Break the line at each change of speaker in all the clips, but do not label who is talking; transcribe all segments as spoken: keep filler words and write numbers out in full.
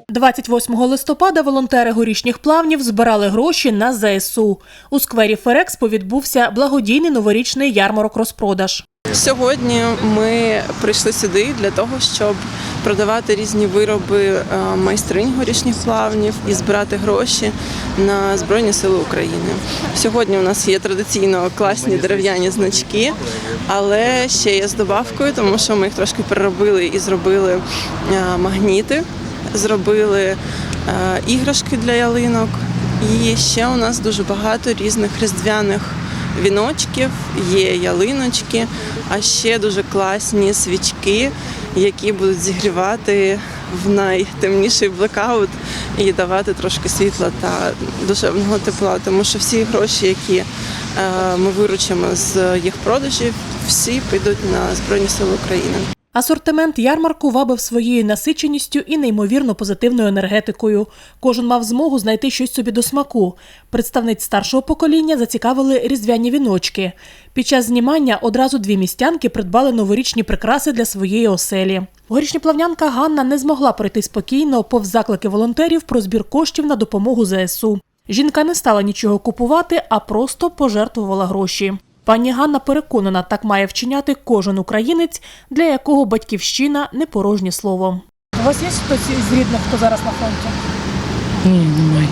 двадцять восьмого листопада волонтери горішніх плавнів збирали гроші на зе ес у. У сквері Ферекспо відбувся благодійний новорічний ярмарок-розпродаж.
Сьогодні ми прийшли сюди для того, щоб продавати різні вироби майстринь горішніх плавнів і збирати гроші на Збройні Сили України. Сьогодні у нас є традиційно класні дерев'яні значки, але ще є з добавкою, тому що ми їх трошки переробили і зробили магніти, зробили іграшки для ялинок. І ще у нас дуже багато різних різдвяних віночків, є ялиночки, а ще дуже класні свічки, які будуть зігрівати в найтемніший блекаут і давати трошки світла та душевного тепла. Тому що всі гроші, які ми виручимо з їх продажів, всі підуть на Збройні Сили України.
Асортимент ярмарку вабив своєю насиченістю і неймовірно позитивною енергетикою. Кожен мав змогу знайти щось собі до смаку. Представниць старшого покоління зацікавили різдвяні віночки. Під час знімання одразу дві містянки придбали новорічні прикраси для своєї оселі. Горішньоплавнянка Ганна не змогла пройти спокійно повз заклики волонтерів про збір коштів на допомогу зе ес у. Жінка не стала нічого купувати, а просто пожертвувала гроші. Пані Ганна переконана, так має вчиняти кожен українець, для якого батьківщина – не порожнє слово. У вас є хтось із рідних, хто зараз на фронті?
Ні, немає.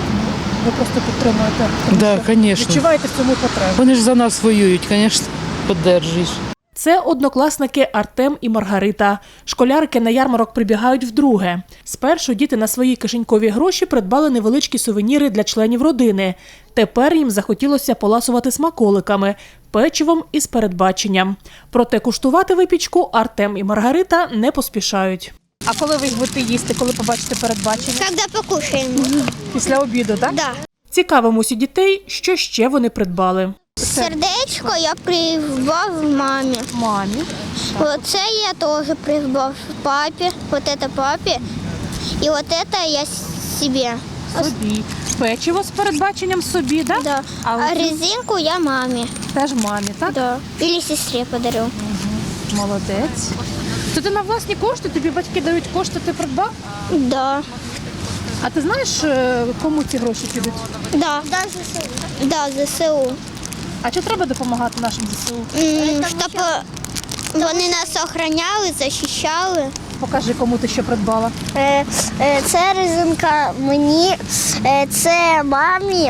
Ви просто підтримуєте?
Так, да, звісно.
Відчуваєте в цьому потребу?
Вони ж за нас воюють, звісно, підтримуєш.
Це однокласники Артем і Маргарита. Школярки на ярмарок прибігають вдруге. Спершу діти на свої кишенькові гроші придбали невеличкі сувеніри для членів родини. Тепер їм захотілося поласувати смаколиками, печивом із передбаченням. Проте куштувати випічку Артем і Маргарита не поспішають. А коли ви їх будете їсти, коли побачите передбачення?
Когда покушаем.
Після обіду, так?
Да.
Цікавимось у дітей, що ще вони придбали.
Сердечко я придбав мамі.
Мамі.
Оце я теж придбав папі, от це папі, і от це я собі.
Собі. Печиво з передбаченням собі, так?
Да.
А,
А резинку я мамі.
теж мамі, так?
Да. Или сестрі подарю.
Молодець. То ти на власні кошти, тобі батьки дають кошти, ти придбав?
Да.
А ти знаєш, кому ці гроші підуть?
Да. Да, ЗСУ. Да, ЗСУ.
А чи треба допомагати нашим зе ес у?
М, Щоб вони нас охороняли, захищали.
Покажи, кому ти що придбала.
Е, е, Це резинка мені, е, це мамі,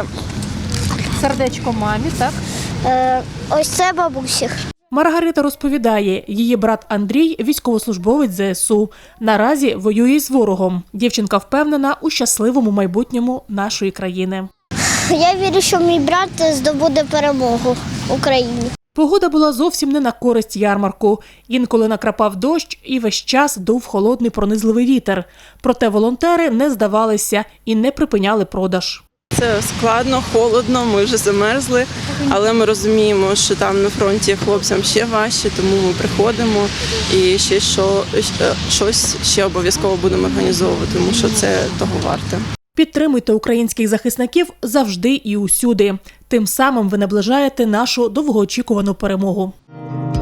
Сердечко мамі, так?
е, ось це бабусі.
Маргарита розповідає, її брат Андрій – військовослужбовець зе ес у. Наразі воює з ворогом. Дівчинка впевнена у щасливому майбутньому нашої країни.
Я вірю, що мій брат здобуде перемогу в Україні.
Погода була зовсім не на користь ярмарку. Інколи накрапав дощ і весь час дув холодний пронизливий вітер. Проте волонтери не здавалися і не припиняли продаж.
Це складно, холодно, ми вже замерзли, але ми розуміємо, що там на фронті хлопцям ще важче, тому ми приходимо і ще що, щось ще обов'язково будемо організовувати, тому що це того варте.
Підтримуйте українських захисників завжди і усюди. Тим самим ви наближаєте нашу довгоочікувану перемогу.